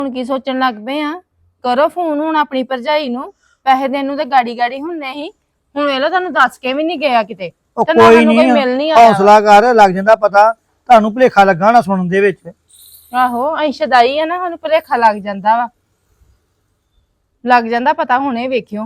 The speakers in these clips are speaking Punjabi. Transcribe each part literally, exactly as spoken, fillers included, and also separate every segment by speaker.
Speaker 1: ਹੁਣ ਕੀ ਸੋਚਣ ਲੱਗ ਪਏ ਆ? ਕਰੋ ਫੋਨ ਹੁਣ ਆਪਣੀ ਭਰਜਾਈ ਨੂੰ। ਪੈਸੇ ਦੇਣ ਨੂੰ ਤੇ ਗਾੜੀ ਗਾੜੀ ਹੁੰਨੇ ਸੀ, ਹੁਣ ਵੇਖ ਲੋ ਤੁਹਾਨੂੰ ਦੱਸ ਕੇ ਵੀ ਨਹੀਂ ਗਿਆ ਕਿਤੇ।
Speaker 2: ਉਹ
Speaker 1: ਤੇ ਨਾ
Speaker 2: ਕੋਈ
Speaker 1: ਸਾਨੂੰ ਕੋਈ
Speaker 2: ਨਹੀਂ,
Speaker 1: ਮਿਲ ਨਹੀਂ ਆਇਆ।
Speaker 2: ਹੌਸਲਾ ਕਰ, ਲੱਗ ਜਾਂਦਾ ਪਤਾ। ਤੁਹਾਨੂੰ ਭੁਲੇਖਾ ਲੱਗਾ ਨਾ ਸੁਣਨ ਦੇ ਵਿੱਚ।
Speaker 1: ਆਹੋ ਅਸੀਂ ਸ਼ਦਾਈ ਆ ਨਾ, ਸਾਨੂੰ ਭੁਲੇਖਾ ਲੱਗ ਜਾਂਦਾ ਵਾ, ਲੱਗ ਜਾਂਦਾ ਪਤਾ। ਹੁਣੇ ਵੇਖਿਓ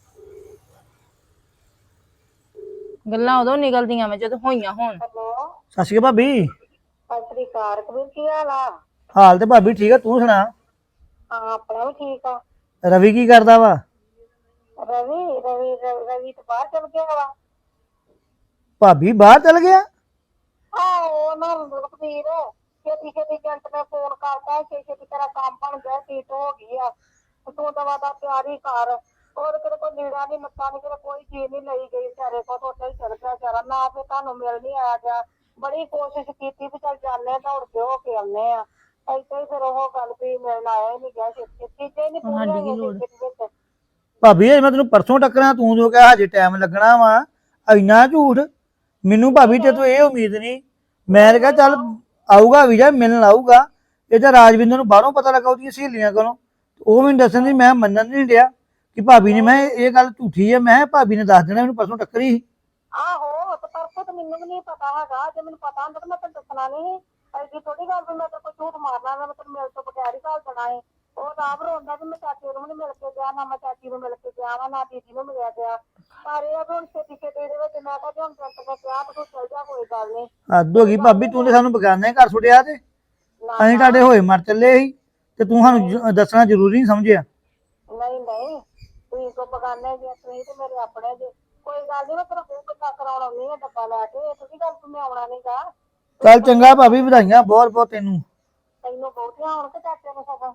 Speaker 1: ਗੱਲਾਂ ਉਦੋਂ ਨਿਕਲਦੀਆਂ ਵਾ ਜਦੋਂ ਹੋਈਆਂ ਹੋਣ।
Speaker 2: ਸਤਿ ਸ਼੍ਰੀ ਅਕਾਲ ਭਾਬੀ।
Speaker 3: ਸਤਿ ਸ੍ਰੀ ਅਕਾਲ ਕਬੀਰ, ਕੀ ਹਾਲ ਆ?
Speaker 2: ਹਾਲ ਤੇ ਭਾਬੀ ਠੀਕ ਆ, ਤੂੰ ਸੁਣਾ?
Speaker 3: ਹਾਂ ਆਪਣਾ ਵੀ ਠੀਕ ਆ।
Speaker 2: ਰਵੀ ਕੀ ਕਰਦਾ ਵਾ?
Speaker 3: ਰਵੀ ਰਵੀ ਰਵੀ ਰਵੀ ਤਾਂ ਬਾਹਰ ਚਲ ਗਿਆ ਵਾ।
Speaker 2: ਭਾਬੀ ਬਾਹਰ ਚਲ ਗਿਆ?
Speaker 3: ਆਹੋ ਨਾ ਕਬੀਰ, ਛੇਤੀ ਛੇਤੀ ਜੰਟ ਨੇ ਫੋਨ ਕਰਤਾ, ਛੇ ਛੇਤੀ ਤੇਰਾ ਕੰਮ ਬਣ ਗਿਆ, ਸੀਟ ਹੋ ਗਈ ਆ, ਤੂੰ ਦਵਾ ਦਾ ਤਿਆਰੀ ਕਰ। ਹੋਰ ਕਿਤੇ ਕੋਈ ਲੀੜਾ ਨੀ ਲੱਤਾ ਨੀ, ਕਿਤੇ ਕੋਈ ਚੀਜ਼ ਨੀ ਲਈ ਗਈ ਵਿਚਾਰੇ ਕੋਲ, ਤੋਂ ਉੱਥੇ ਹੀ ਚਲ ਗਿਆ ਵਿਚਾਰਾ। ਨਾ ਫਿਰ ਤੁਹਾਨੂੰ ਮਿਲ ਨੀ ਆਇਆ ਗਿਆ। ਬੜੀ ਕੋਸ਼ਿਸ਼ ਕੀਤੀ ਵੀ ਚੱਲ ਜਾਂਦੇ ਦੌੜ ਕੇ ਹੋ ਕੇ ਆਉਂਦੇ ਆ, ਏਦਾਂ ਹੀ ਫਿਰ ਉਹ ਗੱਲ ਵੀ ਮਿਲਣ ਆਇਆ ਹੀ ਨੀ ਗਿਆ। ਛੇਤੀ ਚੀਜ਼ਾਂ ਨੀ ਪੂਰੀਆਂ ਹੋਈਆਂ ਵਿੱਚ।
Speaker 2: ਭਾਬੀ ਇਹ ਮੈਂ ਤੈਨੂੰ ਪਰਸੋਂ ਟੱਕਰਾਂ, ਤੂੰ ਜੋ ਕਿਹਾ ਹਜੇ ਟਾਈਮ ਲੱਗਣਾ ਵਾ। ਇੰਨਾ ਝੂਠ। ਮੈਨੂੰ ਭਾਬੀ ਤੇ ਤੂੰ ਇਹ ਉਮੀਦ ਨਹੀਂ। ਮੈਂ ਕਿਹਾ ਚੱਲ ਆਊਗਾ ਵੀਜ਼ਾ, ਮਿਲਣ ਆਊਗਾ। ਇਹ ਤਾਂ ਰਾਜਵਿੰਦਰ ਨੂੰ ਬਾਹਰੋਂ ਪਤਾ ਲੱਗਾ ਉਹਦੀਆਂ ਸਹੇਲੀਆਂ ਕੋਲੋਂ, ਉਹ ਮੈਨੂੰ ਦੱਸਣ ਦੀ, ਮੈਂ ਮੰਨਣ ਨਹੀਂ ਡਿਆ ਕਿ ਭਾਬੀ ਨੇ, ਮੈਂ ਇਹ ਗੱਲ ਝੂਠੀ ਹੈ। ਮੈਂ ਭਾਬੀ ਨੇ ਦੱਸ ਦੇਣਾ ਮੈਨੂੰ ਪਰਸੋਂ ਟੱਕਰੀ ਸੀ।
Speaker 3: ਆਹੋ ਤੇ ਪਰਸੋਂ ਤਾਂ ਮੈਨੂੰ ਵੀ ਨਹੀਂ ਪਤਾ ਹੈਗਾ। ਜੇ ਮੈਨੂੰ ਪਤਾ ਹੁੰਦਾ ਤਾਂ ਮੈਂ ਤੈਨੂੰ ਦੱਸਣਾ ਨਹੀਂ। ਐਡੀ ਥੋੜੀ ਗੱਲ ਵੀ ਮੈਂ ਤੇ ਕੋਈ ਝੂਠ ਮਾਰਨਾ, ਮੈਂ ਤੈਨੂੰ ਮਿਲ ਤੋਂ ਬਗੈਰ ਹੀ ਘੱਲ ਦੇਣਾ ਸੀ। ਉਹ ਤਾਂ ਆਪ ਰੋਂਦਾ ਵੀ ਮੈਂ ਚਾਚੀ ਨੂੰ ਨਹੀਂ ਮਿਲ ਕੇ ਗਿਆ, ਨਾ ਮੈਂ ਚਾਚੀ ਨੂੰ ਮਿਲ ਕੇ ਗਿਆ ਵਾ, ਨਾ ਦੀਦੀ ਨੂੰ ਮਿਲਿਆ ਗਿਆ। ਪਰ ਇਹ ਆ ਵੀ ਹੁਣ ਛੇਤੀ ਛੇਤੀ ਦੇ ਵਿੱਚ ਮੈਂ ਕਿਹਾ ਹੁਣ ਜੰਟ ਨੇ ਕਿਹਾ ਤੂੰ ਚੱਲ ਜਾ, ਕੋਈ ਗੱਲ ਨਹੀਂ।
Speaker 2: ਹੱਦ ਹੋ ਗਈ ਭਾਬੀ, ਤੂੰ ਤੇ ਸਾਨੂੰ ਬਗਾਨੇ ਘਰ ਸੁੱਟਿਆ ਤੇ ਅਸੀਂ ਤੁਹਾਡੇ ਹੋਏ ਮਰ ਚੱਲੇ ਸੀ, ਤੇ ਤੂੰ ਸਾਨੂੰ ਜ- ਦੱਸਣਾ ਜ਼ਰੂਰੀ ਨਹੀਂ ਸਮਝਿਆ।
Speaker 3: ਨਹੀਂ ਨਹੀਂ, ਤੁਸੀਂ ਕੋ ਬਗਾਨੇ ਜੇ, ਤੁਸੀਂ ਤੇ ਮੇਰੇ ਆਪਣੇ ਜੇ। ਕੋਈ ਗੱਲ ਨਹੀਂ, ਮੈਂ ਤੇਰਾ ਮੂੰਹ ਕਿੱਦਾਂ ਕਰਾਉਣ ਆਉਣੀ ਆ ਡੱਬਾ ਲੈ ਕੇ। ਤੁਸੀਂ ਗੱਲ ਤੂੰ ਮੈਂ ਆਉਣਾ ਨੀ ਗਾ।
Speaker 2: ਚੱਲ ਚੰਗਾ ਭਾਬੀ, ਵਧਾਈਆਂ ਬਹੁਤ ਬਹੁਤ ਤੈਨੂੰ।
Speaker 3: ਤੈਨੂੰ ਬਹੁਤੀਆਂ ਹੁਣ ਤੇ ਚਾਚੇ ਨੂੰ ਸਗੋਂ।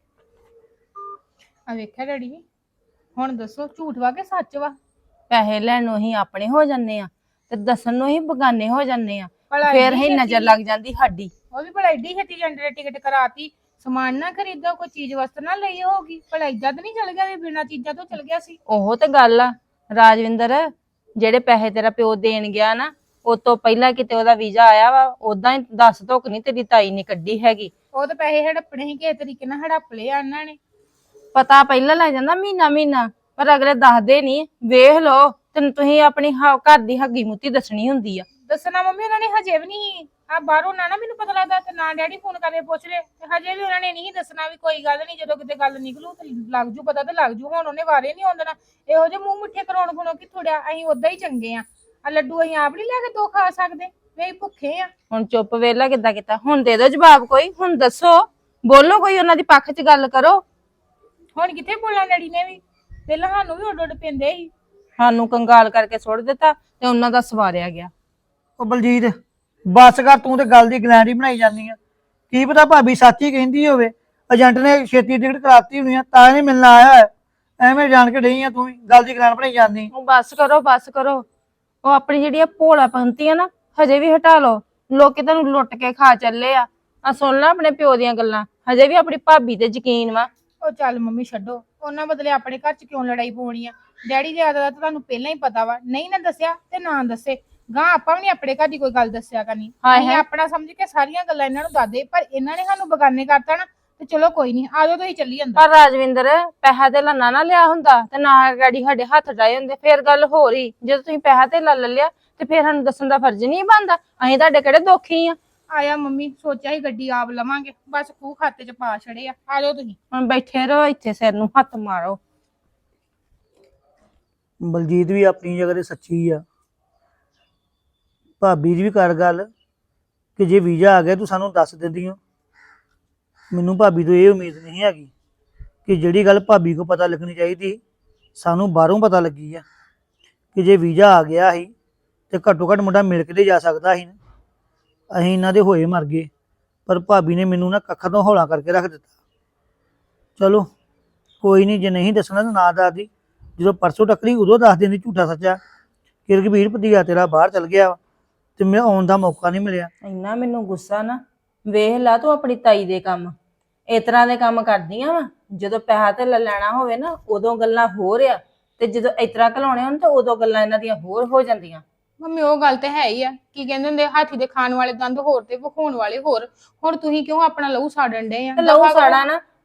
Speaker 4: ਆ ਵੇਖਿਆ ਡੈਡੀ, ਹੁਣ ਦੱਸੋ ਝੂਠ ਵਾ ਕਿ ਸੱਚ ਵਾ?
Speaker 1: ਪੈਸੇ ਲੈਣ ਨੂੰ ਹੀ ਆਪਣੇ ਹੋ ਜਾਂਦੇ ਆ ਤੇ ਦੱਸਣ ਨੂੰ ਹੀ ਬਗਾਨੇ ਹੋ ਜਾਂਦੇ ਆ,
Speaker 4: ਭਲਾ
Speaker 1: ਫੇਰ
Speaker 4: ਇੰਨੀ
Speaker 1: ਹੀ ਨਜ਼ਰ
Speaker 4: ਛੇਤੀ-
Speaker 1: ਲੱਗ ਜਾਂਦੀ ਸਾਡੀ।
Speaker 4: ਉਹ ਵੀ ਭਲਾ ਏਡੀ ਛੇਤੀ ਏਜੰਟ ਨੇ ਟਿਕਟ ਕਰਾਤੀ, ਸਮਾਨ ਨਾ ਖਰੀਦੋ, ਕੋਈ ਚੀਜ਼ ਵਸਤ ਨਾ ਲਈ ਹੋਗੀ। ਭਲਾ ਏਦਾਂ ਤਾਂ ਨਹੀਂ ਚਲ ਗਿਆ ਵੀ ਬਿਨਾਂ ਚੀਜ਼ਾਂ ਤੋਂ ਚਲ ਗਿਆ ਸੀ?
Speaker 1: ਉਹ ਤੇ ਗੱਲ ਆ ਰਾਜਵਿੰਦਰ, ਜਿਹੜੇ ਪੈਸੇ ਤੇਰਾ ਪਿਓ ਦੇਣ ਗਿਆ ਨਾ, ਉਹ ਤੋਂ ਪਹਿਲਾਂ ਕਿਤੇ ਉਹਦਾ ਵੀਜ਼ਾ ਆਇਆ ਵਾ, ਉਦਾਂ ਹੀ ਦੱਸ ਧੁੱਕ ਨਹੀਂ ਤੇਰੀ ਤਾਈ ਨੇ ਕੱਢੀ ਹੈਗੀ।
Speaker 4: ਉਹ ਤਾਂ ਪੈਸੇ ਹੜੱਪਣੇ ਸੀ, ਕਿਸੇ ਤਰੀਕੇ ਨਾਲ ਹੜੱਪ ਲਏ ਆ ਇਹਨਾਂ ਨੇ।
Speaker 1: ਪਤਾ ਪਹਿਲਾਂ ਲੱਗ ਜਾਂਦਾ ਮਹੀਨਾ ਮਹੀਨਾ, ਪਰ ਅਗਲੇ ਦੱਸਦੇ ਨਹੀਂ। ਵੇਖ ਲਓ, ਤੈਨੂੰ ਤੁਸੀਂ ਆਪਣੀ ਹ- ਘਰ ਦੀ ਹੱਗੀ ਮੁੱਤੀ ਦੱਸਣੀ ਹੁੰਦੀ ਆ।
Speaker 4: ਦੱਸਣਾ ਮੰਮੀ ਉਹਨਾਂ ਨੇ ਹਜੇ ਵੀ ਨਹੀਂ। ਆ ਬਾਹਰੋਂ ਨਾ ਨਾ ਮੈਨੂੰ ਪਤਾ ਲੱਗਦਾ ਤੇ ਨਾ ਡੈਡੀ ਫੋਨ ਕਰਕੇ ਪੁੱਛ ਲੈ, ਤੇ ਹਜੇ ਵੀ ਉਹਨਾਂ ਨੇ ਨਹੀਂ ਦੱਸਣਾ ਵੀ ਕੋਈ ਗੱਲ ਨਹੀਂ, ਜਦੋਂ ਕਿਤੇ ਗੱਲ ਨਿਕਲੂ ਤੇ ਲੱਗ ਜੂ ਪਤਾ, ਤੇ ਲੱਗ ਜੂ। ਹੁਣ ਉਹਨੇ ਵਾਰੇ ਨਹੀਂ ਆਉਂਦਾ, ਇਹੋ ਜਿਹੇ ਮੂੰਹ ਮਿੱਠੇ ਕਰਾਉਣ ਕੋਲੋਂ ਕਿ ਥੋੜਿਆ ਅਸੀਂ ਉਦਾਂ ਹੀ ਚੰਗੇ ਆ। ਆ ਲੱਡੂ ਅਸੀਂ ਆਪ ਨਹੀਂ ਲੈ ਕੇ ਦੋ ਖਾ ਸਕਦੇ, ਵੀ ਭੁੱਖੇ ਆ।
Speaker 1: ਹੁਣ ਚੁੱਪ ਵੇਲਾ ਕਿੱਦਾਂ ਕੀਤਾ? ਹੁਣ ਦੇ ਦਿਓ ਜਵਾਬ ਕੋਈ, ਹੁਣ ਦੱਸੋ, ਬੋਲੋ ਕੋਈ, ਉਹਨਾਂ ਦੀ ਪੱਖ 'ਚ ਗੱਲ ਕਰੋ।
Speaker 4: ਹੁਣ ਕਿੱਥੇ ਬੋਲਣਾ ਡੈਡੀ ਨੇ ਵੀ? ਪਹਿਲਾਂ ਸਾਨੂੰ ਵੀ ਉੱਡ ਉੱਡ ਪੈਂਦੇ ਸੀ।
Speaker 1: ਸਾਨੂੰ ਕੰਗਾਲ ਕਰਕੇ ਸੁੱਟ ਦਿੱਤਾ ਤੇ ਉਹਨਾਂ ਦਾ ਸਵਾਰਿਆ ਗਿਆ।
Speaker 2: ਉਹ ਬਲਜੀਤ ਬਸ ਕਰ, ਤੂੰ ਤੇ ਗੱਲ ਦੀ ਗਲੈਂਡੀ ਬਣਾਈ ਜਾਂਦੀ ਆ। ਕੀ ਪਤਾ ਭਾਬੀ ਸੱਚੀ ਕਹਿੰਦੀ ਹੋਵੇ, ਏਜੰਟ ਨੇ ਛੇਤੀ ਟਿਕਟ ਕਰਾਤੀ ਹੋਣੀ ਆ, ਤਾਂ ਨਹੀਂ ਮਿਲਣਾ ਆਇਆ ਹੈ। ਐਵੇਂ ਜਾਣ ਕੇ ਡਈ ਆ, ਤੂੰ ਵੀ ਗੱਲ ਦੀ ਗਲੈਂਡ ਬਣਾਈ ਜਾਂਦੀ।
Speaker 1: ਉਹ ਬਸ ਕਰੋ, ਬਸ ਕਰੋ। ਉਹ ਆਪਣੀ ਜਿਹੜੀ ਭੋਲਾ ਪੰਤੀ ਆ ਨਾ, ਹਜੇ ਵੀ ਹਟਾ ਲਓ। ਲੋਕੀ ਤੁਹਾਨੂੰ ਲੁੱਟ ਕੇ ਖਾ ਚੱਲੇ ਆ। ਆ ਸੁਣ ਲੈ ਆਪਣੇ ਪਿਓ ਦੀਆਂ ਗੱਲਾਂ, ਹਜੇ ਵੀ ਆਪਣੀ ਭਾਬੀ ਤੇ ਯਕੀਨ ਵਾ।
Speaker 4: ਉਹ ਚੱਲ ਮੰਮੀ ਛੱਡੋ, ਉਹਨਾਂ ਬਦਲੇ ਆਪਣੇ ਘਰ 'ਚ ਕਿਉਂ ਲੜਾਈ ਪਾਉਣੀ ਆ? ਡੈਡੀ ਦੀ ਆਦਤ ਤਾਂ ਤੁਹਾਨੂੰ ਪਹਿਲਾਂ ਹੀ ਪਤਾ ਵਾ, ਨਹੀਂ ਨਾ ਦੱਸਿਆ ਤੇ ਨਾ ਦੱਸੇ। ਗਾਂ ਆਪਾਂ ਵੀ ਨੀ ਆਪਣੇ ਘਰ ਦੀ ਕੋਈ ਗੱਲ ਦੱਸਿਆ ਕਰਨੀ।
Speaker 1: ਹਾਏ
Speaker 4: ਅਸੀਂ
Speaker 1: ਹਾਏ।
Speaker 4: ਆਪਣਾ ਸਮਝ ਕੇ ਸਾਰੀਆਂ ਗੱਲਾਂ ਇਹਨਾਂ ਨੂੰ ਦੱਸਦੇ, ਪਰ ਇਹਨਾਂ ਨੇ ਸਾਨੂੰ ਬਗਾਨੇ ਕਰਤਾ ਨਾ, ਤੇ ਚਲੋ ਕੋਈ ਨਹੀਂ, ਆਜੋ ਤੁਸੀਂ ਚੱਲੀ ਅੰਦਰ।
Speaker 1: ਪਰ ਰਾਜਵਿੰਦਰ, ਪੈਸਾ ਤੇ ਲੰਨਾ ਨਾ ਲਿਆ ਹੁੰਦਾ ਤੇ ਨਾ ਗਾੜੀ ਸਾਡੇ ਹੱਥ ਡਾਏ ਹੁੰਦੇ, ਫੇਰ ਗੱਲ ਹੋ ਰਹੀ। ਜਦੋਂ ਤੁਸੀਂ ਪੈਸਾ ਤੇ ਲੈ ਲਿਆ ਤੇ ਫੇਰ ਸਾਨੂੰ ਦੱਸਣ ਦਾ ਫਰਜ਼ ਨਹੀਂ ਬਣਦਾ? ਅਸੀਂ ਤੁਹਾਡੇ ਕਿਹੜੇ ਦੋਖੀ ਆ?
Speaker 4: ਆਇਆ ਮੰਮੀ, ਸੋਚਿਆ ਸੀ ਗੱਡੀ ਆਪ ਲਵਾਂਗੇ, ਬਸ ਖੂਹ ਖਾਤੇ 'ਚ ਪਾ ਛੜੇ ਆ। ਆਜੋ ਤੁਸੀਂ।
Speaker 1: ਹੁਣ ਬੈਠੇ ਰਹੋ ਇੱਥੇ, ਸਿਰ ਨੂੰ ਹੱਥ ਮਾਰੋ।
Speaker 2: ਬਲਜੀਤ ਵੀ ਆਪਣੀ ਜਗ੍ਹਾ ਤੇ ਸੱਚੀ ਆ। ਭਾਬੀ ਦੀ ਵੀ ਕਰ ਗੱਲ ਕਿ ਜੇ ਵੀਜ਼ਾ ਆ ਗਿਆ ਤੂੰ ਸਾਨੂੰ ਦੱਸ ਦਿੰਦੀ ਹੋ। ਮੈਨੂੰ ਭਾਬੀ ਤੋਂ ਇਹ ਉਮੀਦ ਨਹੀਂ ਹੈਗੀ ਕਿ ਜਿਹੜੀ ਗੱਲ ਭਾਬੀ ਕੋ ਪਤਾ ਲੱਗਣੀ ਚਾਹੀਦੀ ਸਾਨੂੰ ਬਾਹਰੋਂ ਪਤਾ ਲੱਗੀ ਆ, ਕਿ ਜੇ ਵੀਜ਼ਾ ਆ ਗਿਆ ਸੀ ਤੇ ਘੱਟੋ ਘੱਟ ਮੁੰਡਾ ਮਿਲ ਕੇ ਤੇ ਜਾ ਸਕਦਾ ਸੀ ਨਾ। ਅਸੀਂ ਇਹਨਾਂ ਦੇ ਹੋਏ ਮਰ ਗਏ, ਪਰ ਭਾਬੀ ਨੇ ਮੈਨੂੰ ਨਾ ਕੱਖਾਂ ਤੋਂ ਹੌਲਾ ਕਰਕੇ ਰੱਖ ਦਿੱਤਾ। ਚਲੋ ਕੋਈ ਨਹੀਂ, ਜੇ ਨਹੀਂ ਦੱਸਣਾ ਤਾਂ ਨਾ ਦੱਸਦੀ। ਜਦੋਂ ਪਰਸੋਂ ਟੱਕਰੀ ਉਦੋਂ ਦੱਸ ਦਿੰਦੀ ਝੂਠਾ ਸੱਚਾ ਕਿ ਰਘਬੀਰ ਭਤੀਜਾ ਤੇਰਾ ਬਾਹਰ ਚਲ ਗਿਆ ਵਾ ਤੇ ਮੈਂ ਆਉਣ ਦਾ ਮੌਕਾ ਨਹੀਂ ਮਿਲਿਆ।
Speaker 1: ਇੰਨਾ ਮੈਨੂੰ ਗੁੱਸਾ ਨਾ, ਵੇਖ ਲਾ ਤੂੰ ਆਪਣੀ ਤਾਈ ਦੇ ਕੰਮ, ਇਸ ਤਰ੍ਹਾਂ ਦੇ ਕੰਮ ਕਰਦੀਆਂ ਵਾ। ਜਦੋਂ ਪੈਸਾ ਤੇ ਲੈਣਾ ਹੋਵੇ ਨਾ, ਉਦੋਂ ਗੱਲਾਂ ਹੋਰ ਆ, ਤੇ ਜਦੋਂ ਇਸ ਤਰ੍ਹਾਂ ਘਲਾਉਣੇ ਹੋਣ ਤਾਂ ਉਦੋਂ ਗੱਲਾਂ ਇਹਨਾਂ ਦੀਆਂ ਹੋਰ ਹੋ ਜਾਂਦੀਆਂ।
Speaker 4: ਮੰਮੀ ਉਹ ਗੱਲ ਤੇ ਹੈ ਹੀ ਆ, ਕੀ ਕਹਿੰਦੇ ਹੁੰਦੇ, ਹਾਥੀ ਦੇ ਖਾਣ ਵਾਲੇ ਦੰਦ ਹੋਰ ਤੇ ਵਿਖਾਉਣ ਵਾਲੇ ਹੋਰ। ਹੁਣ ਤੁਸੀਂ ਕਿਉਂ ਆਪਣਾ ਲਹੂ ਸਾੜਨ ਡਏ ਆ?
Speaker 1: ਤੇ ਲਹੂ ਸਾੜਾ ਨਾ,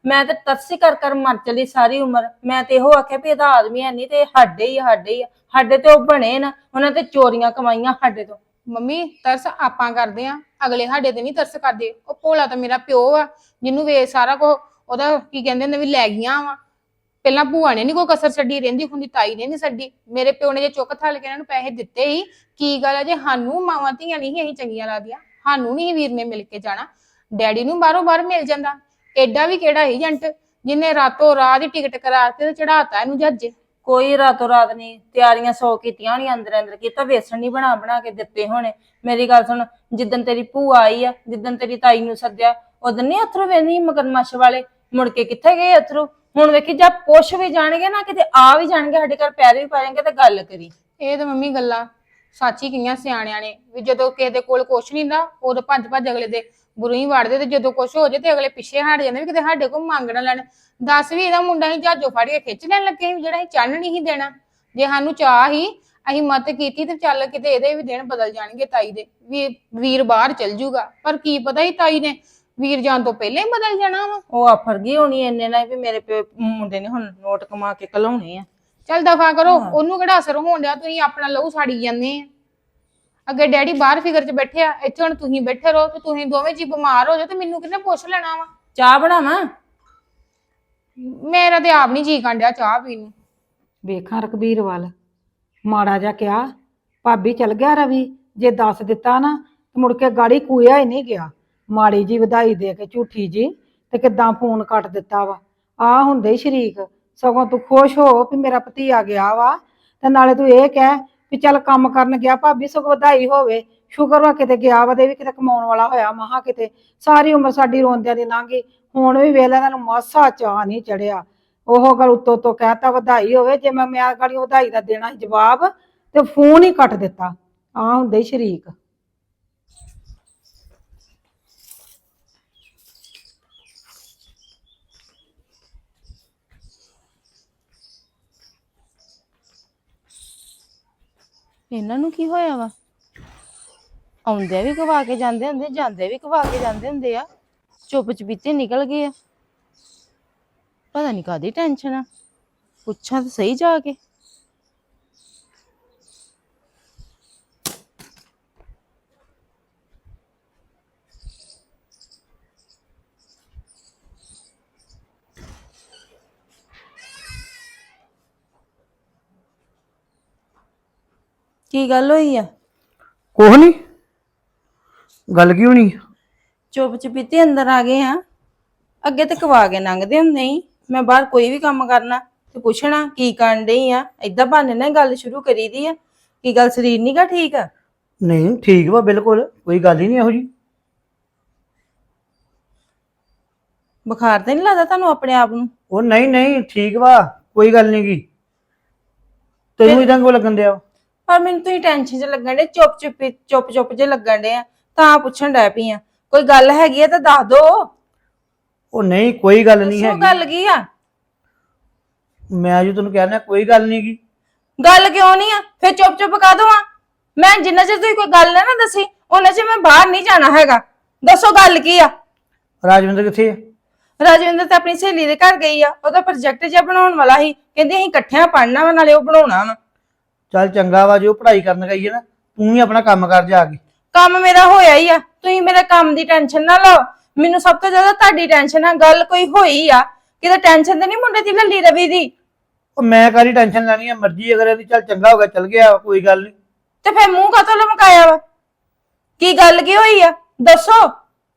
Speaker 1: ਮੈਂ ਤੇ ਤਰਸੀ ਕਰ ਕਰ ਮਰ ਚਲੀ ਸਾਰੀ ਉਮਰ। ਮੈਂ ਤੇ ਇਹੋ ਆਖਿਆ ਵੀ ਇਹਦਾ ਆਦਮੀ ਹੈ ਨਹੀਂ ਤੇ ਇਹ ਸਾਡੇ ਹੀ ਆ, ਸਾਡੇ ਹੀ ਆ। ਸਾਡੇ ਤੇ ਉਹ ਬਣੇ ਨਾ, ਉਹਨਾਂ ਤੇ ਚੋਰੀਆਂ ਕਮਾਈਆਂ ਸਾਡੇ ਤੋਂ।
Speaker 4: ਮੰਮੀ ਤਰਸ ਆਪਾਂ ਕਰਦੇ ਆ, ਅਗਲੇ ਸਾਡੇ ਤੇ ਨਹੀਂ ਤਰਸ ਕਰਦੇ। ਉਹ ਭੋਲਾ ਤਾਂ ਮੇਰਾ ਪਿਓ ਆ, ਜਿਹਨੂੰ ਵੇ ਸਾਰਾ ਕੁਝ ਉਹਦਾ ਕੀ ਕਹਿੰਦੇ ਨੇ ਵੀ ਲੈ ਗਈਆਂ ਵਾ। ਪਹਿਲਾਂ ਭੂਆ ਨੇ ਨਹੀਂ ਕੋਈ ਕਸਰ ਛੱਡੀ, ਰਹਿੰਦੀ ਹੁੰਦੀ ਤਾਈ ਨੇ ਨਹੀਂ ਛੱਡੀ। ਮੇਰੇ ਪਿਓ ਨੇ ਜੇ ਚੁੱਕ ਥਲ ਕੇ ਇਹਨਾਂ ਨੂੰ ਪੈਸੇ ਦਿੱਤੇ ਹੀ, ਕੀ ਗੱਲ ਹੈ ਜੇ ਸਾਨੂੰ ਮਾਵਾਂ ਧੀਆਂ ਨਹੀਂ ਅਸੀਂ ਚੰਗੀਆਂ ਲੱਗਦੀਆਂ, ਸਾਨੂੰ ਨਹੀਂ ਵੀਰ ਨੇ ਮਿਲ ਕੇ ਜਾਣਾ। ਡੈਡੀ ਨੂੰ ਬਾਹਰੋਂ ਬਾਹਰ ਮਿਲ ਜਾਂਦਾ। ਐਡਾ ਵੀ ਕਿਹੜਾ ਏਜੰਟ ਜਿਹਨੇ ਰਾਤੋਂ ਰਾਤ ਹੀ ਟਿਕਟ ਕਰਾ ਕੇ ਤੇ ਚੜਾਤਾ ਇਹਨੂੰ ਜੱਜ।
Speaker 1: ਕੋਈ ਰਾਤੋਂ ਰਾਤ ਨਹੀਂ, ਤਿਆਰੀਆਂ ਸੌ ਕੀਤੀਆਂ ਹੋਣੀਆਂ, ਅੰਦਰ ਅੰਦਰ ਕੀਤਾ। ਵੇਸਣ ਨਹੀਂ ਬਣਾ ਬਣਾ ਕੇ ਦਿੱਤੇ ਹੋਣੇ। ਮੇਰੀ ਗੱਲ ਸੁਣ, ਜਿੱਦਣ ਤੇਰੀ ਭੂਆ ਆਈ ਆ, ਜਿੱਦਣ ਤੇਰੀ ਤਾਈ ਨੂੰ ਸੱਦਿਆ, ਉਦੋਂ ਨਹੀਂ ਅਥਰੂ ਵੇਂਦੀ ਮਗਰਮੱਛ ਵਾਲੇ। ਮੁੜ ਕੇ ਕਿੱਥੇ ਗਏ ਅਥਰੂ? ਹੁਣ ਵੇਖੀ ਜਦ ਪੁੱਛ ਵੀ ਜਾਣਗੇ ਨਾ, ਕਿਤੇ ਆ ਵੀ ਜਾਣਗੇ ਸਾਡੇ ਘਰ, ਪੈਰ ਵੀ ਪਾ ਜਾਣਗੇ ਤੇ ਗੱਲ ਕਰੀ।
Speaker 4: ਇਹ ਤਾਂ ਮੰਮੀ ਗੱਲਾਂ ਸੱਚੀ ਕਈਆਂ ਸਿਆਣਿਆਂ ਨੇ ਵੀ ਜਦੋਂ ਕਿਸੇ ਦੇ ਕੋਲ ਕੁਛ ਨਹੀਂ ਹੁੰਦਾ ਉਦੋਂ ਭੱਜ ਭੱਜ ਅਗਲੇ ਦੇ ਬੁਰੇ ਹੀ ਵੜਦੇ, ਤੇ ਜਦੋਂ ਕੁਛ ਹੋ ਜੇ ਤੇ ਅਗਲੇ ਪਿੱਛੇ ਹਟ ਜਾਂਦੇ ਵੀ ਕਿਤੇ ਸਾਡੇ ਕੋਲ ਮੰਗ ਨਾ ਲੈਣ। ਦੱਸ ਵੀ ਇਹਦਾ ਮੁੰਡਾ ਹੀ ਜਹਾਜੋਂ ਫੜ ਕੇ ਖਿੱਚ ਲੈਣ ਲੱਗੇ ਸੀ, ਜਿਹੜਾ ਅਸੀਂ ਚੰਨ ਨਹੀਂ ਸੀ ਦੇਣਾ। ਜੇ ਸਾਨੂੰ ਚਾਹ ਹੀ ਅਸੀਂ ਮਤ ਕੀਤੀ ਤੇ ਚੱਲ ਕਿਤੇ ਇਹਦੇ ਵੀ ਦਿਨ ਬਦਲ ਜਾਣਗੇ ਤਾਈ ਦੇ, ਵੀ ਵੀਰ ਬਾਹਰ ਚਲ ਜੂਗਾ। ਪਰ ਕੀ ਪਤਾ ਸੀ ਤਾਈ ਨੇ ਵੀਰ ਜਾਣ ਤੋਂ ਪਹਿਲਾਂ ਹੀ ਬਦਲ ਜਾਣਾ ਵਾ।
Speaker 1: ਉਹ ਆਫਰ ਗਈ ਹੋਣੀ ਇੰਨੇ ਨਾਲ ਵੀ ਮੇਰੇ ਪਿਓ ਮੁੰਡੇ ਨੇ ਹੁਣ ਨੋਟ ਕਮਾ ਕੇ ਘਲਾਉਣੇ ਆ।
Speaker 4: ਚੱਲ ਦਫਾ ਕਰੋ, ਉਹਨੂੰ ਕਿਹੜਾ ਅਸਰ ਹੋਣ ਡਿਆ? ਤੁਸੀਂ ਆਪਣਾ ਲਹੂ ਸਾੜੀ ਜਾਂਦੇ ਆ। ਅੱਗੇ ਡੈਡੀ ਬਾਹਰ ਫਿਕਰ ਚ ਬੈਠੇ ਆ, ਇੱਥੇ ਹੁਣ ਤੁਸੀਂ ਬੈਠੇ ਰਹੋ ਤੇ ਤੁਸੀਂ ਦੋਵੇਂ ਜੀ ਬਿਮਾਰ ਹੋ ਜਾਓ ਤੇ ਮੈਨੂੰ ਕਿਹਨੇ ਪੁੱਛ ਲੈਣਾ ਵਾ?
Speaker 1: ਚਾਹ ਬਣਾਵਾਂ?
Speaker 4: ਮੇਰਾ ਤੇ ਆਪ ਨਹੀਂ ਜੀ ਕਾਂਡਿਆ ਚਾਹ ਪੀਣ ਨੂੰ।
Speaker 5: ਵੇਖਾਂ ਰਕਬੀਰ ਵੱਲ ਮਾੜਾ ਜਿਹਾ ਕਿਹਾ, ਭਾਬੀ ਚਲ ਗਿਆ ਰਵੀ, ਜੇ ਦੱਸ ਦਿੱਤਾ ਨਾ ਤੇ ਮੁੜ ਕੇ ਗਾੜੀ ਕੂਇਆ ਹੀ ਨਹੀਂ ਗਿਆ। ਮਾੜੀ ਜੀ ਵਧਾਈ ਦੇ ਕੇ ਝੂਠੀ ਜੀ ਤੇ ਕਿੱਦਾਂ ਫੋਨ ਕੱਟ ਦਿੱਤਾ ਵਾ। ਆ ਹੁੰਦੇ ਹੀ ਸ਼ਰੀਕ, ਸਗੋਂ ਤੂੰ ਖੁਸ਼ ਹੋ ਵੀ ਮੇਰਾ ਭਤੀਆ ਗਿਆ ਵਾ, ਤੇ ਨਾਲੇ ਤੂੰ ਇਹ ਕਹਿ ਵੀ ਚੱਲ ਕੰਮ ਕਰਨ ਗਿਆ ਭਾਬੀ, ਸਗੋਂ ਵਧਾਈ ਹੋਵੇ। ਸ਼ੁਕਰ ਵਾ ਕਿਤੇ ਗਿਆ ਵਾ ਤੇ ਵੀ ਕਿਤੇ ਕਮਾਉਣ ਵਾਲਾ ਹੋਇਆ। ਮਹਾ ਕਿਤੇ ਸਾਰੀ ਉਮਰ ਸਾਡੀ ਰੋਂਦਿਆਂ ਦੀ ਲੰਘ ਗਈ, ਹੁਣ ਵੀ ਵੇਲੇ ਇਹਨਾਂ ਨੂੰ ਮਾਸਾ ਚਾਹ ਨਹੀਂ ਚੜਿਆ। ਉਹ ਗੱਲ ਉੱਤੋਂ ਤੋਂ ਕਹਿਤਾ ਵਧਾਈ ਹੋਵੇ, ਜੇ ਮੈਂ ਮੈਂ ਗਾੜੀ ਵਧਾਈ ਦਾ ਦੇਣਾ ਜਵਾਬ ਤੇ ਫੋਨ ਹੀ ਕੱਟ ਦਿੱਤਾ। ਆ ਹੁੰਦੇ ਹੀ ਸ਼ਰੀਕ।
Speaker 1: ਇਹਨਾਂ ਨੂੰ ਕੀ ਹੋਇਆ ਵਾ? ਆਉਂਦੇ ਵੀ ਕਵਾ ਕੇ ਜਾਂਦੇ ਹੁੰਦੇ, ਜਾਂਦੇ ਵੀ ਕਵਾ ਕੇ ਜਾਂਦੇ ਹੁੰਦੇ ਆ। ਚੁੱਪ ਚਪੀਤੇ ਨਿਕਲ ਗਏ ਆ। ਪਤਾ ਨਹੀਂ ਕਾਹਦੀ ਟੈਨਸ਼ਨ ਆ। ਪੁੱਛਾਂ ਤਾਂ ਸਹੀ ਜਾ ਕੇ। ਕੀ ਗੱਲ ਹੋਈ ਆ?
Speaker 2: ਕੁਛ ਨਹੀਂ, ਗੱਲ ਕੀ ਹੋਣੀ?
Speaker 1: ਚੁੱਪ ਚਪੀਤੇ ਅੰਦਰ ਆ ਗਏ ਆ। ਅੱਗੇ ਤੇ ਕਵਾ ਕੇ ਲੰਘਦੇ ਹੁੰਦੇ ਹੀ। ਮੈਂ ਬਾਹਰ ਕੋਈ ਵੀ ਕੰਮ ਕਰਨਾ ਤੇ ਪੁੱਛਣਾ ਕੀ ਕਰਨ ਡਈ ਆ, ਏਦਾਂ ਬਹਾਨੇ ਨਾਲ ਗੱਲ ਸ਼ੁਰੂ ਕਰੀ ਦੀ ਆ। ਕੀ ਗੱਲ ਸਰੀਰ ਨੀ ਗਾ ਠੀਕ ਆ?
Speaker 2: ਨਹੀਂ ਠੀਕ ਵਾ, ਬਿਲਕੁਲ ਕੋਈ ਗੱਲ ਹੀ ਨਹੀਂ ਇਹੋ ਜੀ।
Speaker 1: ਬੁਖਾਰ ਤਾਂ ਨਹੀਂ ਲੱਗਦਾ ਤੁਹਾਨੂੰ ਆਪਣੇ ਆਪ ਨੂੰ?
Speaker 2: ਉਹ ਨਹੀਂ ਨਹੀਂ ਠੀਕ ਵਾ, ਕੋਈ ਗੱਲ ਨਹੀਂ ਗੀ। ਤੈਨੂੰ ਇਦਾਂ ਕਿਉਂ ਲੱਗਣ ਦਿਆ?
Speaker 1: ਪਰ ਮੈਨੂੰ ਤੁਸੀਂ ਟੈਨਸ਼ਨ 'ਚ ਲੱਗਣ ਡੇ, ਚੁੱਪ ਚੁੱਪ ਚੁੱਪ ਚੁੱਪ ਜੇ ਲੱਗਣ ਡੇ ਆ, ਤਾਂ ਪੁੱਛਣ ਡੈ ਪਈ ਆ। ਕੋਈ ਗੱਲ ਹੈਗੀ ਆ ਤਾਂ ਦੱਸ ਦੋ।
Speaker 2: ਉਹ ਨਹੀਂ ਕੋਈ ਗੱਲ ਨਹੀਂ
Speaker 1: ਦੱਸੋ
Speaker 2: ਹੈਗੀ।
Speaker 1: ਗੱਲ ਕੀ ਆ?
Speaker 2: ਮੈਂ ਜੋ ਤੈਨੂੰ ਕਹਿਣਾ ਕੋਈ ਗੱਲ ਨਹੀਂ ਗੀ।
Speaker 1: ਗੱਲ ਕਿਉਂ ਨਹੀਂ ਆ? ਫਿਰ ਚੁੱਪ ਚੁੱਪ ਕਾ ਦਵਾਂ ਮੈਂ? ਜਿੰਨਾ ਚਿਰ ਤੁਸੀਂ ਕੋਈ ਗੱਲ ਨਾ ਨਾ ਦੱਸੀ ਉਹਨਾਂ ਚਿਰ ਮੈਂ ਬਾਹਰ ਨਹੀਂ ਜਾਣਾ ਹੈਗਾ। ਦੱਸੋ ਗੱਲ ਕੀ ਆ?
Speaker 2: ਰਾਜਵਿੰਦਰ ਕਿੱਥੇ ਆ?
Speaker 1: ਰਾਜਵਿੰਦਰ ਤਾਂ ਆਪਣੀ ਸਹੇਲੀ ਦੇ ਘਰ ਗਈ ਆ। ਉਹਦਾ ਪ੍ਰੋਜੈਕਟ ਜਿਹਾ ਬਣਾਉਣ ਵਾਲਾ ਸੀ, ਕਹਿੰਦੀ ਅਸੀਂ ਇਕੱਠਿਆਂ ਪੜ੍ਹਨਾ ਵਾ, ਨਾਲੇ ਉਹ ਬਣਾਉਣਾ ਵਾ।
Speaker 2: ਚੱਲ ਚੰਗਾ ਵਾ, ਜੋ ਪੜ੍ਹਾਈ ਕਰਨ ਗਈ ਹੈ ਨਾ, ਤੂੰ ਵੀ ਆਪਣਾ ਕੰਮ ਕਰ ਜਾ ਕੇ।
Speaker 1: ਕੰਮ ਮੇਰਾ ਹੋਇਆ ਹੀ ਆ, ਤੁਸੀਂ ਮੇਰੇ ਕੰਮ ਦੀ ਟੈਨਸ਼ਨ ਨਾ ਲਓ। ਮੈਨੂੰ ਸਭ ਤੋਂ ਜ਼ਿਆਦਾ ਤੁਹਾਡੀ ਟੈਨਸ਼ਨ ਆ। ਗੱਲ ਕੋਈ ਹੋਈ ਆ ਕਿਤੇ? ਟੈਨਸ਼ਨ ਤੇ ਨਹੀਂ ਮੁੰਡੇ ਦੀ ਲੱਲੀ ਰਵੀ ਦੀ?
Speaker 2: ਉਹ ਮੈਂ ਕਾਹਦੀ ਟੈਨਸ਼ਨ ਲੈਣੀ ਆ? ਮਰਜ਼ੀ ਅਗਰ ਇਹਦੀ ਚੱਲ ਚੰਗਾ ਹੋ ਗਿਆ ਚੱਲ ਗਿਆ, ਕੋਈ ਗੱਲ ਨਹੀਂ।
Speaker 1: ਤੇ ਫਿਰ ਮੂੰਹ ਕਾਤੋਂ ਲਮਕਾਇਆ ਵਾ? ਕੀ ਗੱਲ ਕੀ ਹੋਈ ਆ ਦੱਸੋ?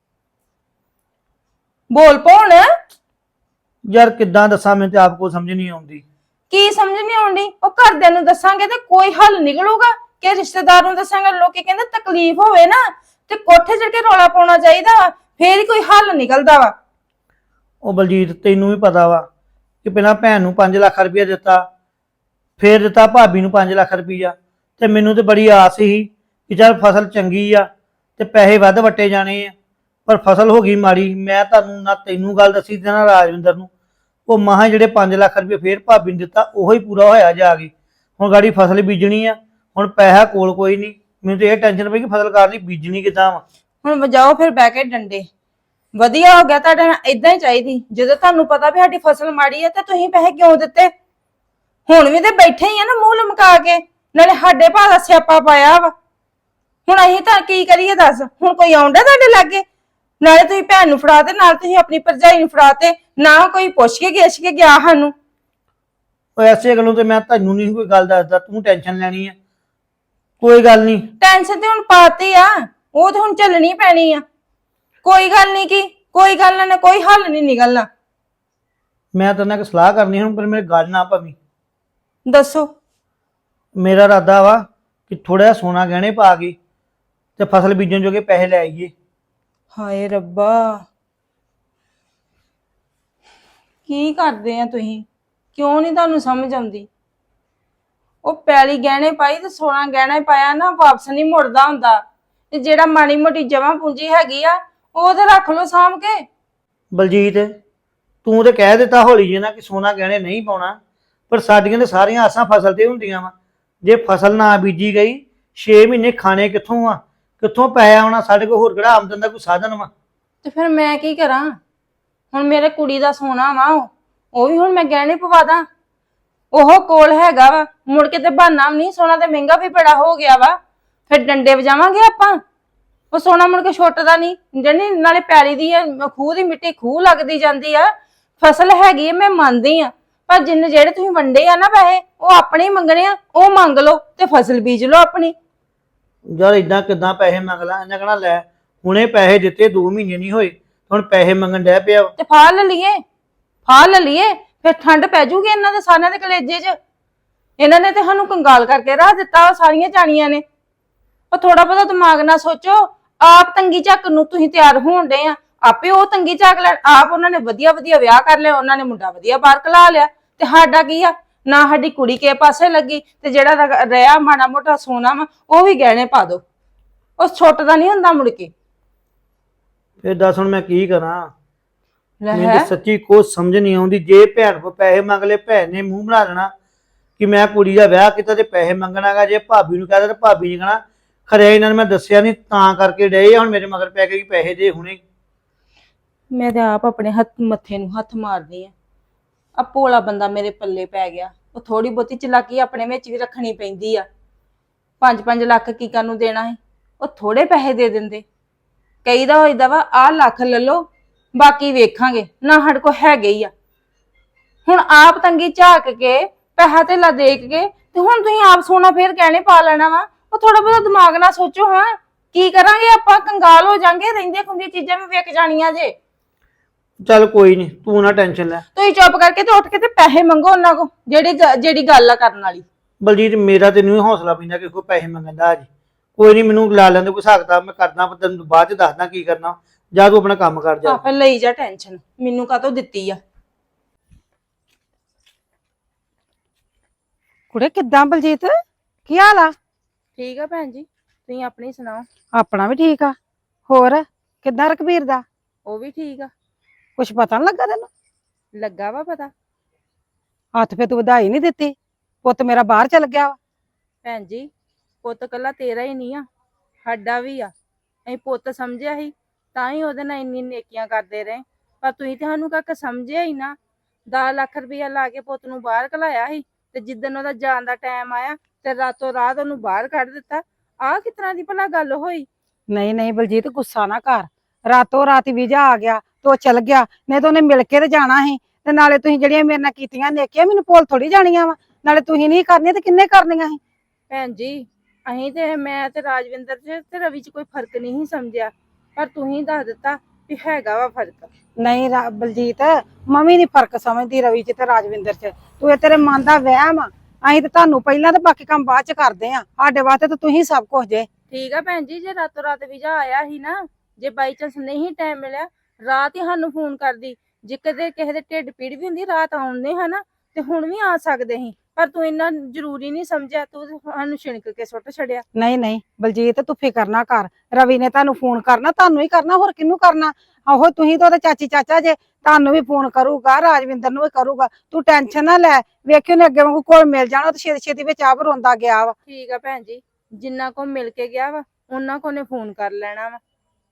Speaker 1: ਬੋਲ ਪੌਣ।
Speaker 2: ਯਾਰ ਕਿੱਦਾਂ ਦੱਸਾਂ, ਮੈਨੂੰ ਤੇ ਆਪ ਕੋ ਸਮਝ ਨਹੀਂ ਆਉਂਦੀ।
Speaker 1: ਕੀ ਸਮਝ ਨਹੀਂ ਆਉਂਦੀ? ਉਹ ਘਰਦਿਆਂ ਨੂੰ ਦੱਸਾਂਗੇ ਤੇ ਕੋਈ ਹੱਲ ਨਿਕਲੂਗਾ ਕਿ ਰਿਸ਼ਤੇਦਾਰ ਨੂੰ ਦੱਸਾਂਗੇ? ਲੋਕੀ ਕਹਿੰਦੇ ਤਕਲੀਫ ਹੋਵੇ ਨਾ ਤੇ ਕੋਠੇ ਚੜ ਕੇ ਰੌਲਾ ਪਾਉਣਾ ਚਾਹੀਦਾ ਵਾ, ਫੇਰ ਹੀ ਕੋਈ ਹੱਲ ਨਿਕਲਦਾ ਵਾ।
Speaker 2: ਉਹ ਬਲਜੀਤ ਤੈਨੂੰ ਵੀ ਪਤਾ ਵਾ ਕਿ ਪਹਿਲਾਂ ਭੈਣ ਨੂੰ ਪੰਜ ਲੱਖ ਰੁਪਇਆ ਦਿੱਤਾ, ਫੇਰ ਦਿੱਤਾ ਭਾਬੀ ਨੂੰ ਪੰਜ ਲੱਖ ਰੁਪਇਆ, ਤੇ ਮੈਨੂੰ ਤੇ ਬੜੀ ਆਸ ਸੀ ਕਿ ਚੱਲ ਫਸਲ ਚੰਗੀ ਆ ਤੇ ਪੈਸੇ ਵੱਧ ਵੱਟੇ ਜਾਣੇ ਆ, ਪਰ ਫਸਲ ਹੋ ਗਈ ਮਾੜੀ। ਮੈਂ ਤੁਹਾਨੂੰ ਨਾ ਤੈਨੂੰ ਗੱਲ ਦੱਸੀ ਤੇ ਨਾ ਰਾਜਵਿੰਦਰ ਨੂੰ। ਉਹ ਮਹਾਂ ਜਿਹੜੇ ਪੰਜ ਲੱਖ ਰੁਪਏ ਫੇਰ ਭਾਬੀ ਨੂੰ ਦਿੱਤਾ ਉਹੋ ਹੀ ਪੂਰਾ ਹੋਇਆ ਜਾ ਕੇ। ਹੁਣ ਗਾੜੀ ਫਸਲ ਬੀਜਣੀ ਆ, ਹੁਣ ਪੈਸਾ ਕੋਲ ਕੋਈ ਨਹੀਂ। ਮੈਨੂੰ ਤੇ ਇਹ ਟੈਨਸ਼ਨ ਪਈ ਕਿ ਫਸਲ ਕਰ ਲਈ ਬੀਜਣੀ ਕਿੱਦਾਂ ਵਾ।
Speaker 1: ਹੁਣ ਵਜਾਓ ਫਿਰ ਬਹਿ ਕੇ ਡੰਡੇ। ਵਧੀਆ ਹੋ ਗਿਆ, ਤੁਹਾਡੇ ਨਾਲ ਇਦਾਂ ਹੀ ਚਾਹੀਦੀ। ਜਦੋਂ ਤੁਹਾਨੂੰ ਪਤਾ ਵੀ ਸਾਡੀ ਫਸਲ ਮਾੜੀ ਹੈ ਤੇ ਤੁਸੀਂ ਪੈਸੇ ਕਿਉਂ ਦਿੱਤੇ? ਹੁਣ ਵੀ ਤੇ ਬੈਠੇ ਹੀ ਆ ਨਾ ਮੂੰਹ ਲਮਕਾ ਕੇ, ਨਾਲੇ ਸਾਡੇ ਭਾਅ ਦਾ ਸਿਆਪਾ ਪਾਇਆ ਵਾ। ਹੁਣ ਅਸੀਂ ਤਾਂ ਕੀ ਕਰੀਏ ਦੱਸ? ਹੁਣ ਕੋਈ ਆਉਂਦਾ ਤੁਹਾਡੇ ਲਾਗੇ? ਨਾਲੇ ਤੁਸੀਂ ਭੈਣ ਨੂੰ ਫੜਾ ਤੇ ਨਾਲ ਤੁਸੀਂ ਆਪਣੀ ਭਰਜਾਈ ਨੂੰ ਫੜਾ ਤੇ, ਨਾ ਕੋਈ ਪੁੱਛ ਕੇ ਗਿੱਛ ਕੇ ਗਿਆ ਸਾਨੂੰ।
Speaker 2: ਉਹ ਐਸੇ ਗੱਲੋਂ ਤੇ ਮੈਂ ਤੁਹਾਨੂੰ ਨਹੀਂ ਕੋਈ ਗੱਲ ਦੱਸਦਾ, ਤੂੰ ਟੈਨਸ਼ਨ ਲੈਣੀ ਆ। ਕੋਈ ਗੱਲ ਨਹੀਂ,
Speaker 1: ਟੈਨਸ਼ਨ ਤੇ ਹੁਣ ਪਾਤੀ ਆ, ਉਹ ਤੇ ਹੁਣ ਚੱਲਣੀ ਪੈਣੀ ਆ। ਕੋਈ ਗੱਲ ਨਹੀਂ ਕੀ, ਕੋਈ ਗੱਲ ਨਾ, ਕੋਈ ਹੱਲ ਨਹੀਂ ਨਿਕਲਣਾ।
Speaker 2: ਮੈਂ ਤੇਰੇ ਨਾਲ ਇੱਕ ਸਲਾਹ ਕਰਨੀ ਹੁਣ, ਪਰ ਮੇਰੇ ਗੱਲ ਨਾ ਪਵੀ।
Speaker 1: ਦੱਸੋ।
Speaker 2: ਮੇਰਾ ਇਰਾਦਾ ਵਾ ਕਿ ਥੋੜਾ ਜਿਹਾ ਸੋਨਾ ਗਹਿਣੇ ਪਾ ਕੇ ਤੇ ਫਸਲ ਬੀਜਣ ਜੋਗੇ ਪੈਸੇ ਲੈ ਆਈਏ।
Speaker 1: ਹਾਏ ਰੱਬਾ, ਕੀ ਕਰਦੇ ਆ ਤੁਸੀਂ? ਕਿਉਂ ਨਹੀਂ ਤੁਹਾਨੂੰ ਸਮਝ ਆਉਂਦੀ? ਉਹ ਪੈਲੀ ਗਹਿਣੇ ਪਾਈ ਤੇ ਸੋਨਾ ਗਹਿਣਾ ਪਾਇਆ ਨਾ, ਵਾਪਸ ਨਹੀਂ ਮੁੜਦਾ ਹੁੰਦਾ। ਤੇ ਜਿਹੜਾ ਮਾੜੀ ਮੋਟੀ ਜਮਾ ਪੂੰਜੀ ਹੈਗੀ ਆ ਉਹ ਤੇ ਰੱਖ ਲਓ ਸਾਂਭ ਕੇ।
Speaker 2: ਬਲਜੀਤ, ਤੂੰ ਤੇ ਕਹਿ ਦਿੱਤਾ ਹੌਲੀ ਜਿਹੀ ਨਾ ਕਿ ਸੋਨਾ ਗਹਿਣੇ ਨਹੀਂ ਪਾਉਣਾ, ਪਰ ਸਾਡੀਆਂ ਤੇ ਸਾਰੀਆਂ ਆਸਾਂ ਫਸਲ ਤੇ ਹੁੰਦੀਆਂ ਵਾ। ਜੇ ਫਸਲ ਨਾ ਬੀਜੀ ਗਈ ਛੇ ਮਹੀਨੇ ਖਾਣੇ ਕਿੱਥੋਂ ਆ? ਕਿੱਥੋਂ ਪੈਸਾ ਆਉਣਾ? ਸਾਡੇ ਕੋਲ ਹੋਰ ਕਿਹੜਾ ਆਮਦਨ ਦਾ ਕੋਈ ਸਾਧਨ ਵਾ?
Speaker 1: ਤੇ ਫਿਰ ਮੈਂ ਕੀ ਕਰਾਂ? ਹੁਣ ਮੇਰੇ ਕੁੜੀ ਦਾ ਸੋਨਾ ਵਾ, ਉਹ ਉਹ ਵੀ ਹੁਣ ਮੈਂ ਗਹਿਣੇ ਪਵਾ ਦਾਂ? ਉਹ ਕੋਲ ਹੈਗਾ ਵਾ, ਮੁੜ ਕੇ ਤੇ ਬਹਾਨਾ ਵੀ ਨਹੀਂ। ਸੋਨਾ ਤੇ ਮਹਿੰਗਾ ਵੀ ਬੜਾ ਹੋ ਗਿਆ ਵਾ, ਫਿਰ ਡੰਡੇ ਵਜਾਵਾਂਗੇ ਆਪਾਂ। ਉਹ ਸੋਨਾ ਮੁੜ ਕੇ ਛੁੱਟਦਾ ਨਹੀਂ। ਜਿਹੜੀ ਨਾਲੇ ਪੈਲੀ ਦੀ ਆ, ਖੂਹ ਦੀ ਮਿੱਟੀ ਖੂਹ ਲੱਗਦੀ ਜਾਂਦੀ ਆ। ਫਸਲ ਹੈਗੀ ਆ, ਮੈਂ ਮੰਨਦੀ ਆ, ਪਰ ਜਿੰਨੇ ਜਿਹੜੇ ਤੁਸੀਂ ਵੰਡੇ ਆ ਨਾ ਪੈਸੇ, ਉਹ ਆਪਣੇ ਹੀ ਮੰਗਣੇ ਆ। ਉਹ ਮੰਗ ਲਓ ਤੇ ਫਸਲ ਬੀਜ ਲਓ ਆਪਣੀ।
Speaker 2: ਯਾਰ ਇਦਾਂ ਕਿਦਾਂ ਪੈਸੇ ਮੰਗ ਲਾ? ਇਹਨਾਂ ਕਹਿਣਾ ਲੈ ਹੁਣੇ ਪੈਸੇ ਦਿੱਤੇ, ਦੋ ਮਹੀਨੇ ਨਹੀਂ ਹੋਏ, ਹੁਣ ਪੈਸੇ ਮੰਗਣ ਡੈ ਪਿਆ।
Speaker 1: ਤੇ ਫਾਹ ਲੈ ਲਈਏ, ਫਾਹ ਲੈ ਲਈਏ, ਫਿਰ ਠੰਡ ਪੈ ਜੂਗੀ ਇਹਨਾਂ ਦੇ ਸਾਰਿਆਂ ਦੇ ਕਲੇਜੇ 'ਚ। ਇਹਨਾਂ ਨੇ ਤੇ ਸਾਨੂੰ ਕੰਗਾਲ ਕਰਕੇ ਰੱਖ ਦਿੱਤਾ ਸਾਰੀਆਂ ਜਾਣੀਆਂ ਨੇ। ਉਹ ਥੋੜਾ ਬਹੁਤਾ ਦਿਮਾਗ ਨਾਲ ਸੋਚੋ। ਆਪ ਤੰਗੀ ਝੱਕ ਨੂੰ ਤੁਸੀਂ ਤਿਆਰ ਹੋਣ ਡੇ ਆ, ਆਪੇ ਉਹ ਤੰਗੀ ਝੱਕ ਲੈਣ। ਆਪ ਉਹਨਾਂ ਨੇ ਵਧੀਆ ਵਧੀਆ ਵਿਆਹ ਕਰ ਲਿਆ, ਉਹਨਾਂ ਨੇ ਮੁੰਡਾ ਵਧੀਆ ਬਾਹਰ ਕਲਾ ਲਿਆ, ਤੇ ਸਾਡਾ ਕੀ ਆ? ਨਾ ਸਾਡੀ ਕੁੜੀ ਕਿਸੇ ਪਾਸੇ ਲੱਗੀ, ਤੇ ਜਿਹੜਾ ਰਿਹਾ ਮਾੜਾ ਮੋਟਾ ਸੋਨਾ ਵਾ ਉਹ ਵੀ ਗਹਿਣੇ ਪਾ ਦੋ। ਉਹ ਛੁੱਟਦਾ ਨਹੀਂ ਹੁੰਦਾ ਮੁੜ ਕੇ।
Speaker 2: ਫਿਰ ਦੱਸ ਹੁਣ ਮੈਂ ਕੀ ਕਰਾਂ?
Speaker 1: ਲੈ
Speaker 2: ਮੈਨੂੰ ਤਾਂ ਸੱਚੀ ਕੁਝ ਸਮਝ ਨਹੀਂ ਆਉਂਦੀ। ਜੇ ਭੈਣ ਕੋ ਪੈਸੇ ਮੰਗ ਲਏ, ਭੈਣ ਨੇ ਮੂੰਹ ਬਣਾ ਲੈਣਾ ਕਿ ਮੈਂ ਕੁੜੀ ਦਾ ਵਿਆਹ ਕੀਤਾ ਤੇ ਪੈਸੇ ਮੰਗਣਾਗਾ। ਜੇ ਭਾਬੀ ਨੂੰ ਕਹਦਾ ਤੇ ਭਾਬੀ ਨੇ ਕਹਣਾ ਖਰੇ ਇਹਨਾਂ ਨੇ ਮੈਂ ਦੱਸਿਆ ਨਹੀਂ ਤਾਂ ਕਰਕੇ ਡਏ ਹੁਣ ਮੇਰੇ ਮਗਰ ਪੈ ਕੇ ਪੈਸੇ ਦੇ ਹੁਣੇ।
Speaker 1: ਮੈਂ ਤੇ ਆਪ ਆਪਣੇ ਹੱਥ ਮੱਥੇ ਨੂੰ ਹੱਥ ਮਾਰਦੀ ਆ। ਆ ਭੋਲਾ ਬੰਦਾ ਮੇਰੇ ਪੱਲੇ ਪੈ ਗਿਆ। ਉਹ ਥੋੜੀ ਬਹੁਤੀ ਚਲਾਕੀ ਆਪਣੇ ਵਿੱਚ ਵੀ ਰੱਖਣੀ ਪੈਂਦੀ ਆ। ਪੰਜ ਪੰਜ ਲੱਖ ਕੀ ਕਰਨ ਨੂੰ ਦੇਣਾ ਹੈ? ਉਹ ਥੋੜੇ ਪੈਸੇ ਦੇ ਦਿੰਦੇ। ਕਈ ਦਾ ਹੋਈਦਾ ਵਾ ਆਹ ਲੱਖ ਲੈ ਲਓ, ਬਾਕੀ ਵੇਖਾਂਗੇ, ਨਾ ਸਾਡੇ ਕੋਲ ਹੈਗੇ ਹੀ ਆ। ਹੁਣ ਆਪ ਤੰਗੀ ਝਾਕ ਕੇ ਪੈਸਾ ਧੇਲਾ ਦੇਖ ਕੇ ਤੇ ਹੁਣ ਤੁਸੀਂ ਆਪ ਸੋਨਾ ਫੇਰ ਗਹਿਣੇ ਪਾ ਲੈਣਾ ਵਾ। ਉਹ ਥੋੜਾ ਬਹੁਤਾ ਦਿਮਾਗ ਨਾਲ ਸੋਚੋ। ਹਾਂ ਕੀ ਕਰਾਂਗੇ ਆਪਾਂ? ਕੰਗਾਲ ਹੋ ਜਾਾਂਗੇ। ਰਹਿੰਦੀਆਂ ਖੁੰਦੀਆਂ ਚੀਜ਼ਾਂ ਵੀ ਵਿਕ ਜਾਣੀਆਂ ਜੇ।
Speaker 2: ਚੱਲ ਕੋਈ ਨਹੀਂ, ਤੂੰ ਨਾ ਟੈਨਸ਼ਨ ਲੈ।
Speaker 1: ਤੁਸੀਂ ਚੁੱਪ ਕਰਕੇ ਤੇ ਉੱਠ ਕੇ ਤੇ ਪੈਸੇ ਮੰਗੋ ਉਹਨਾਂ ਕੋ, ਜਿਹੜੀ ਜਿਹੜੀ ਗੱਲ ਆ ਕਰਨ ਵਾਲੀ।
Speaker 2: ਬਲਜੀਤ, ਮੇਰਾ ਤੇ ਨਹੀਂ ਹੌਸਲਾ ਪੈਂਦਾ ਕਿ ਕੋਈ ਪੈਸੇ ਮੰਗਣ ਦਾ। ਅੱਜ ਕੋਈ ਨਹੀਂ, ਮੈਨੂੰ ਲਾ ਲੈਂਦੇ ਕੋਈ ਹਿਸਾਬ ਕਿਤਾਬ, ਮੈਂ ਕਰਦਾ, ਤੈਨੂੰ ਬਾਅਦ ਚ ਦੱਸਦਾ ਕੀ ਕਰਨਾ। ਜਾ ਤੂੰ ਆਪਣਾ ਕੰਮ ਕਰ ਜਾ।
Speaker 1: ਆਪੇ ਲਈ ਜਾ ਟੈਨਸ਼ਨ, ਮੈਨੂੰ ਕਾਹਤੋਂ ਦਿੱਤੀ ਆ?
Speaker 5: ਕੁੜੇ ਕਿੱਦਾਂ ਬਲਜੀਤ, ਕੀ ਹਾਲ ਆ?
Speaker 1: ਠੀਕ ਆ ਭੈਣ ਜੀ, ਤੁਸੀਂ ਆਪਣੀ ਸੁਣਾਓ।
Speaker 5: ਆਪਣਾ ਵੀ ਠੀਕ ਆ। ਹੋਰ ਕਿੱਦਾਂ ਰਕਬੀਰ ਦਾ?
Speaker 1: ਉਹ ਵੀ ਠੀਕ ਆ।
Speaker 5: ਕੁਛ ਪਤਾ ਨੀ ਲੱਗਾ ਤੈਨੂੰ?
Speaker 1: ਲੱਗਾ ਵਾ ਪਤਾ।
Speaker 5: ਹੱਥ ਫੇ ਤੂੰ ਵਧਾਈ ਨਹੀਂ ਦਿੱਤੀ। ਪੁੱਤ ਮੇਰਾ ਬਾਹਰ ਚਲ ਗਿਆ ਵਾ।
Speaker 1: ਭੈਣ ਜੀ, ਪੁੱਤ ਕੱਲਾ ਤੇਰਾ ਹੀ ਨਹੀਂ ਆ, ਸਾਡਾ ਵੀ ਆ। ਅਸੀਂ ਪੁੱਤ ਸਮਝਿਆ ਸੀ ਤਾਂ ਹੀ ਉਹਦੇ ਨਾਲ ਇੰਨੀ ਨੇਕੀਆਂ ਕਰਦੇ ਰਹੇ, ਪਰ ਤੁਸੀਂ ਤੇ ਸਾਨੂੰ ਕੱਖ ਸਮਝਿਆ ਹੀ ਨਾ। ਦਸ ਲੱਖ ਰੁਪਇਆ ਲਾ ਕੇ ਪੁੱਤ ਨੂੰ ਬਾਹਰ ਘਲਾਇਆ ਸੀ, ਤੇ ਜਿੱਦਣ ਉਹਦਾ ਜਾਣ ਦਾ ਟਾਈਮ ਆਇਆ ਤੇ ਰਾਤੋਂ ਰਾਤ ਉਹਨੂੰ ਬਾਹਰ ਕੱਢ ਦਿੱਤਾ। ਆਹ ਕਿਸ ਤਰ੍ਹਾਂ ਦੀ ਭਲਾ ਗੱਲ ਹੋਈ?
Speaker 5: ਨਹੀਂ ਨਹੀਂ ਬਲਜੀਤ, ਗੁੱਸਾ ਨਾ ਕਰ। ਰਾਤੋਂ ਰਾਤ ਵੀਜ਼ਾ ਆ ਗਿਆ ਤੇ ਉਹ ਚਲ ਗਿਆ, ਨਹੀਂ ਤਾਂ ਉਹਨੇ ਮਿਲ ਕੇ ਤੇ ਜਾਣਾ ਸੀ। ਤੇ ਨਾਲੇ ਤੁਸੀਂ ਜਿਹੜੀਆਂ ਮੇਰੇ ਨਾਲ ਕੀਤੀਆਂ ਨੇਕੀਆਂ ਮੈਨੂੰ ਭੁੱਲ ਥੋੜੀ ਜਾਣੀਆਂ ਵਾ। ਨਾਲੇ ਤੁਸੀਂ ਨਹੀਂ ਕਰਨੀਆਂ ਤੇ ਕਿੰਨੇ ਕਰਨੀਆਂ ਸੀ?
Speaker 1: ਭੈਣ ਜੀ, ਅਸੀਂ ਤੇ ਮੈਂ ਤੇ ਰਾਜਵਿੰਦਰ ਚ ਤੇ ਰਵੀ ਚ ਕੋਈ ਫਰਕ ਨਹੀਂ ਸਮਝਿਆ, ਪਰ ਤੁਸੀਂ ਦੱਸ ਦਿੱਤਾ ਵੀ ਹੈਗਾ ਵਾ ਫਰਕ।
Speaker 5: ਨਹੀਂ ਰਾ- ਬਲਜੀਤ, ਮੰਮੀ ਨੀ ਫਰਕ ਸਮਝਦੀ ਰਵੀ ਚ ਤੇ ਰਾਜਵਿੰਦਰ ਚ। ਤੂੰ ਇਹ ਤੇਰੇ ਮਨ ਦਾ ਵਹਿਮ ਆ। ਅਸੀਂ ਤੇ ਤੁਹਾਨੂੰ ਪਹਿਲਾਂ ਤੇ ਬਾਕੀ ਕੰਮ ਬਾਅਦ ਚ ਕਰਦੇ ਆ। ਸਾਡੇ ਵਾਸਤੇ ਤਾਂ ਤੁਸੀਂ ਸਭ ਕੁਝ ਜੇ।
Speaker 1: ਠੀਕ ਆ ਭੈਣ ਜੀ, ਜੇ ਰਾਤੋਂ ਰਾਤ ਵੀਜ਼ਾ ਆਇਆ ਸੀ ਨਾ, ਜੇ ਬਾਈ ਚਾਂਸ ਨਹੀਂ ਟਾਈਮ ਮਿਲਿਆ, ਰਾਤ ਹੀ ਸਾਨੂੰ ਫੋਨ ਕਰਦੀ। ਜੇ ਕਦੇ ਕਿਸੇ ਦੇ ਢਿੱਡ ਪੀੜ ਵੀ ਹੁੰਦੀ, ਰਾਤ ਆਉਂਦੇ ਹਨਾ, ਤੇ ਹੁਣ ਵੀ ਆ ਸਕਦੇ ਸੀ, ਪਰ ਤੂੰ ਇੰਨਾ ਜ਼ਰੂਰੀ ਨਹੀਂ ਸਮਝਿਆ। ਤੂੰ ਸਾਨੂੰ ਛਿਣਕ ਕੇ ਸੁੱਟ ਛੱਡਿਆ।
Speaker 5: ਨਹੀਂ ਨਹੀਂ ਬਲਜੀਤ, ਤੂੰ ਫਿਕਰ ਨਾ ਕਰ। ਰਵੀ ਨੇ ਤੁਹਾਨੂੰ ਫੋਨ ਕਰਨਾ, ਤੁਹਾਨੂੰ ਹੀ ਕਰਨਾ, ਹੋਰ ਕਿਹਨੂੰ ਕਰਨਾ? ਆਹੋ ਤੁਸੀਂ ਤਾਂ ਉਹਦੇ ਚਾਚੀ ਚਾਚਾ ਜੇ, ਤੁਹਾਨੂੰ ਵੀ ਫੋਨ ਕਰੂਗਾ, ਰਾਜਵਿੰਦਰ ਨੂੰ ਵੀ ਕਰੂਗਾ। ਤੂੰ ਟੈਨਸ਼ਨ ਨਾ ਲੈ, ਵੇਖਿਓ ਨੇ ਅੱਗੇ ਵਾਂਗੂ ਕੋਲ ਮਿਲ ਜਾਣਾ। ਤੇ ਛੇਤੀ ਛੇਤੀ ਵਿੱਚ ਆਪ ਰੋਂਦਾ ਗਿਆ ਵਾ।
Speaker 1: ਠੀਕ ਆ ਭੈਣ ਜੀ, ਜਿੰਨਾ ਕੋ ਮਿਲ ਕੇ ਗਿਆ ਵਾ ਉਹਨਾਂ ਕੋ ਨੇ ਫੋਨ ਕਰ ਲੈਣਾ ਵਾ।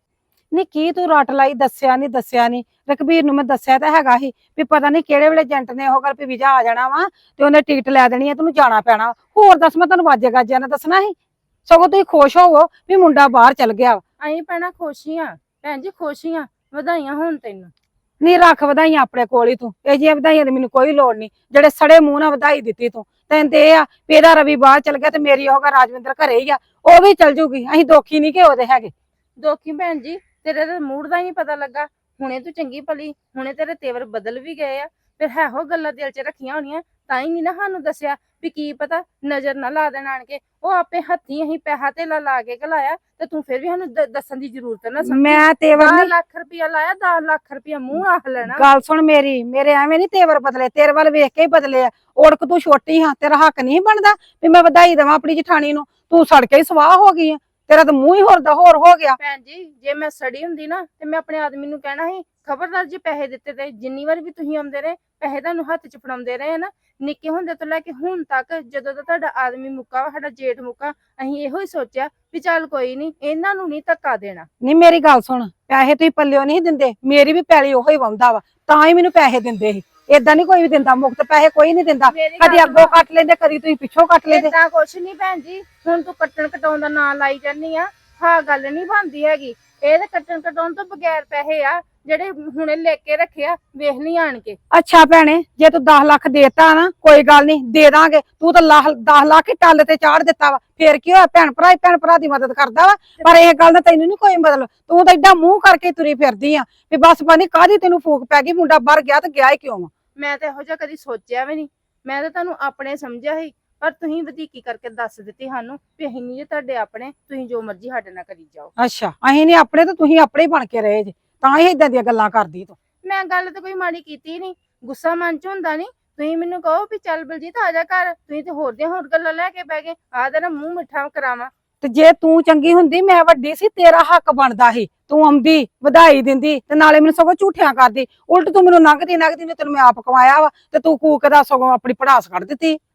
Speaker 5: ਨਹੀਂ ਕੀ ਤੂੰ ਰੱਟ ਲਾਈ ਦੱਸਿਆ ਨਹੀਂ ਦੱਸਿਆ ਨਹੀਂ ਰਕਬੀਰ ਨੂੰ ਮੈਂ ਦੱਸਿਆ ਤਾਂ ਹੈਗਾ ਸੀ ਵੀ ਪਤਾ ਨਹੀਂ ਕਿਹੜੇ ਵੇਲੇ ਏਜੰਟ ਨੇ ਉਹ ਗੱਲ ਵੀ ਵੀਜ਼ਾ ਆ ਜਾਣਾ ਵਾ ਤੇ ਉਹਨੇ ਟਿਕਟ ਲੈ ਦੇਣੀ ਹੈ ਤੈਨੂੰ ਜਾਣਾ ਪੈਣਾ। ਹੋਰ ਦੱਸ ਮੈਂ ਤੈਨੂੰ ਵਾਜੇ ਗਾਜਿਆਂ ਨੇ ਦੱਸਣਾ ਸੀ। ਸਗੋਂ ਤੁਸੀਂ ਖੁਸ਼ ਹੋਵੋ ਵੀ ਮੁੰਡਾ ਬਾਹਰ ਚਲ ਗਿਆ ਵਾ।
Speaker 1: ਅਸੀਂ ਭੈਣਾ ਖੁਸ਼ੀਆਂ ਭੈਣ ਜੀ ਖੁਸ਼ੀਆਂ ਵਧਾਈਆਂ ਹੁਣ ਤੈਨੂੰ।
Speaker 5: ਨਹੀਂ ਰੱਖ ਵਧਾਈਆਂ ਆਪਣੇ ਕੋਲ ਹੀ ਤੂੰ, ਇਹ ਜਿਹੀਆਂ ਵਧਾਈਆਂ ਦੀ ਮੈਨੂੰ ਕੋਈ ਲੋੜ ਨਹੀਂ ਜਿਹੜੇ ਸੜੇ ਮੂੰਹ ਨਾਲ ਵਧਾਈ ਦਿੱਤੀ ਤੂੰ। ਤੈਨੂੰ ਤੇ ਇਹ ਆ ਵੀ ਇਹਦਾ ਰਵੀ ਬਾਹਰ ਚਲ ਗਿਆ ਤੇ ਮੇਰੀ ਉਹ ਰਾਜਵਿੰਦਰ ਘਰੇ ਹੀ ਆ, ਉਹ ਵੀ ਚਲ ਜੂਗੀ। ਅਸੀਂ ਦੋਖੀ ਨਹੀਂ ਕਿ ਉਹਦੇ ਹੈਗੇ।
Speaker 1: ਦੋਖੀ ਭੈਣ ਜੀ ਤੇਰੇ ਤਾਂ ਮੂਡ ਦਾ ਹੀ ਨਹੀਂ ਪਤਾ ਲੱਗਾ। ਹੁਣੇ ਤੂੰ ਚੰਗੀ ਭਲੀ, ਹੁਣੇ ਤੇਰੇ ਤੇਵਰ ਬਦਲ ਵੀ ਗਏ ਆ। ਫਿਰ ਹੈ ਹੋ ਗੱਲਾਂ ਦਿਲ 'ਚ ਰੱਖੀਆਂ ਹੋਣੀਆਂ ਤਾਂ ਹੀ ਨਹੀਂ ਨਾ ਸਾਨੂੰ ਦੱਸਿਆ ਵੀ ਕੀ ਪਤਾ ਨਜ਼ਰ ਨਾ ਲਾ ਦੇਣ ਆਣ ਕੇ। ਉਹ ਆਪੇ ਹੱਥੀਂ ਅਸੀਂ ਪੈਸਾ ਧੇਲਾ ਲਾ ਕੇ ਘਲਾਇਆ ਤੇ ਤੂੰ ਫਿਰ ਵੀ ਸਾਨੂੰ ਦ- ਦੱਸਣ ਦੀ ਜ਼ਰੂਰਤ ਨਾ ਸਮਝੀ।
Speaker 5: ਮੈਂ ਤੇਵਰ
Speaker 1: ਦਸ
Speaker 5: ਨਹੀਂ
Speaker 1: ਲੱਖ ਰੁਪਇਆ ਲਾਇਆ, ਦਸ ਲੱਖ ਰੁਪਇਆ ਮੂੰਹ ਆਖ ਲੈਣਾ।
Speaker 5: ਗੱਲ ਸੁਣ ਮੇਰੀ, ਮੇਰੇ ਐਵੇਂ ਨਹੀਂ ਤੇਵਰ ਬਦਲੇ, ਤੇਰੇ ਵੱਲ ਵੇਖ ਕੇ ਹੀ ਬਦਲੇ ਆ। ਉੜਕ ਤੂੰ ਛੋਟੀ ਹਾਂ, ਤੇਰਾ ਹੱਕ ਨਹੀਂ ਬਣਦਾ ਵੀ ਮੈਂ ਵਧਾਈ ਦੇਵਾਂ ਆਪਣੀ ਜਠਾਣੀ ਨੂੰ। ਤੂੰ ਸੜ ਕੇ ਹੀ ਸਵਾਹ ਹੋ ਗਈ ਆ, ਤੇਰਾ ਤਾਂ ਮੂੰਹ ਹੀ ਹੋਰ ਦਾ ਹੋਰ ਹੋ ਗਿਆ।
Speaker 1: ਭੈਣ ਜੀ ਜੇ ਮੈਂ ਸੜੀ ਹੁੰਦੀ ਨਾ ਤੇ ਮੈਂ ਆਪਣੇ ਆਦਮੀ ਨੂੰ ਕਹਿਣਾ ਸੀ ਖਬਰਦਾਰ ਜੇ ਪੈਸੇ ਦਿੱਤੇ ਤੇ ਜਿੰਨੀ ਵਾਰ ਵੀ ਤੁਸੀਂ ਆਉਂਦੇ ਰਹੇ ਪੈਸੇ ਤੁਹਾਨੂੰ ਹੱਥ 'ਚ ਫੜਾਉਂਦੇ ਰਹੇ ਨਾ ਨਿੱਕੇ ਹੁੰਦੇ ਤੋਂ ਲੈ ਕੇ ਹੁਣ ਤੱਕ, ਜਦੋਂ ਦਾ ਤੁਹਾਡਾ ਆਦਮੀ ਮੁੱਕਾ ਵਾ, ਸਾਡਾ ਜੇਠ ਮੁੱਕਾ, ਅਸੀਂ ਇਹੋ ਹੀ ਸੋਚਿਆ ਵੀ ਚੱਲ ਕੋਈ ਨਹੀਂ ਇਹਨਾਂ ਨੂੰ ਨਹੀਂ ਧੱਕਾ ਦੇਣਾ।
Speaker 5: ਨਹੀਂ ਮੇਰੀ ਗੱਲ ਸੁਣ, ਪੈਸੇ ਤੁਸੀਂ ਪੱਲਿਓ ਨਹੀਂ ਦਿੰਦੇ, ਮੇਰੀ ਵੀ ਪੈਲੀ ਉਹੋ ਹੀ ਵਾਉਂਦਾ ਵਾ ਤਾਂ ਹੀ ਮੈਨੂੰ ਪੈਸੇ ਦਿੰਦੇ ਸੀ। ਏਦਾਂ ਨਹੀਂ ਕੋਈ ਵੀ ਦਿੰਦਾ, ਮੁਫਤ ਪੈਸੇ ਕੋਈ ਨਹੀਂ ਦਿੰਦਾ।
Speaker 1: ਮੇਰੀ
Speaker 5: ਕਦੀ
Speaker 1: ਗੱਲ
Speaker 5: ਅੱਗੋਂ ਕੱਟ ਲੈਂਦੇ, ਕਦੀ ਤੁਸੀਂ ਪਿੱਛੋਂ ਕੱਟ ਲੈਂਦੇ।
Speaker 1: ਏਦਾਂ ਕੁਛ ਨਹੀਂ ਭੈਣ ਜੀ, ਹੁਣ ਤੂੰ ਕੱਟਣ ਕਟਾਉਣ ਦਾ ਨਾਂ ਲਾਈ ਜਾਂਦੀ ਆ, ਹਾਂ ਗੱਲ ਨਹੀਂ ਬਣਦੀ ਹੈਗੀ। ਇਹ ਤੇ ਕੱਟਣ ਕਟਾਉਣ ਤੋਂ ਬਗੈਰ ਪੈਸੇ ਆ ਜਿਹੜੇ ਹੁਣੇ ਲੈ ਕੇ ਰੱਖਿਆ, ਵੇਖ ਲਈ ਆਣ ਕੇ।
Speaker 5: ਅੱਛਾ ਭੈਣੇ, ਜੇ ਤੂੰ ਦਸ ਲੱਖ ਦੇਤਾ ਨਾ ਕੋਈ ਗੱਲ ਨਹੀਂ, ਦੇ ਦਾਂਗੇ। ਤੂੰ ਤਾਂ ਦਸ ਲੱਖ ਹੀ ਟੱਲ ਤੇ ਚਾੜ ਦਿੱਤਾ ਵਾ, ਫੇਰ ਕੀ ਹੋਇਆ? ਭੈਣ ਭਰਾ ਹੀ ਭੈਣ ਭਰਾ ਦੀ ਮਦਦ ਕਰਦਾ ਵਾ। ਪਰ ਇਹ ਗੱਲ ਦਾ ਤੈਨੂੰ ਨਹੀਂ ਕੋਈ ਮਤਲਬ, ਤੂੰ ਤਾਂ ਏਡਾ ਮੂੰਹ ਕਰਕੇ ਤੁਰੀ ਫਿਰਦੀ ਆ ਵੀ ਬਸ ਪਾਣੀ ਕਾਹਦੀ ਤੈਨੂੰ ਫੂਕ ਪੈ ਗਈ, ਮੁੰਡਾ ਬਾਹਰ ਗਿਆ ਤੇ ਗਿਆ ਹੀ ਕਿਉਂ ਵਾ?
Speaker 1: ਮੈਂ ਤਾਂ ਇਹੋ ਜਿਹਾ ਕਦੀ ਸੋਚਿਆ ਵੀ ਨਹੀਂ, ਮੈਂ ਤਾਂ ਤੁਹਾਨੂੰ ਆਪਣੇ ਸਮਝਿਆ ਸੀ, ਪਰ ਤੁਸੀਂ ਵਧੀਕੀ ਕਰਕੇ ਦੱਸ ਦਿੱਤੀ ਸਾਨੂੰ ਵੀ ਅਸੀਂ ਨਹੀਂ ਜੇ ਤੁਹਾਡੇ ਆਪਣੇ, ਤੁਸੀਂ ਜੋ ਮਰਜ਼ੀ ਸਾਡੇ ਨਾਲ ਕਰੀ ਜਾਓ।
Speaker 5: ਅੱਛਾ ਅਸੀਂ ਨਹੀਂ ਆਪਣੇ ਤੇ ਤੁਸੀਂ ਆਪਣੇ ਹੀ ਬਣ ਕੇ ਰਹੇ ਜੇ, ਤਾਂ ਹੀ ਏਦਾਂ ਦੀਆਂ ਗੱਲਾਂ ਕਰਦੀ ਤੂੰ।
Speaker 1: ਮੈਂ ਗੱਲ ਤਾਂ ਕੋਈ ਮਾੜੀ ਕੀਤੀ ਨਹੀਂ, ਗੁੱਸਾ ਮਨ 'ਚ ਹੁੰਦਾ ਨਹੀਂ। ਤੁਸੀਂ ਮੈਨੂੰ ਕਹੋ ਵੀ ਚੱਲ ਬਲਜੀਤ ਆ ਜਾ ਘਰ, ਤੁਸੀਂ ਤੇ ਹੋਰ ਦੀਆਂ ਹੋਰ ਗੱਲਾਂ ਲੈ ਕੇ ਬਹਿ ਗਏ। ਆਹ ਤੇਰਾ ਮੂੰਹ ਮਿੱਠਾ ਕਰਾਵਾਂ।
Speaker 5: ਤੇ ਜੇ ਤੂੰ ਚੰਗੀ ਹੁੰਦੀ, ਮੈਂ ਵੱਡੀ ਸੀ, ਤੇਰਾ ਹੱਕ ਬਣਦਾ ਸੀ। ਤੂੰ ਆਉਂਦੀ ਵਧਾਈ ਦਿੰਦੀ ਤੇ ਨਾਲੇ ਮੈਨੂੰ ਸਗੋਂ ਝੂਠਿਆਂ ਕਰਦੀ। ਉਲਟ ਤੂੰ ਮੈਨੂੰ ਲੰਘਦੀ ਲੰਘਦੀ ਨੇ ਤੈਨੂੰ ਮੈਂ ਆਪ ਕਮਾਇਆ ਵਾ ਤੇ ਤੂੰ ਕੂਕ ਦਾ ਸਗੋਂ ਆਪਣੀ ਪੜਾਸ ਕੱਢ ਦਿੱਤੀ।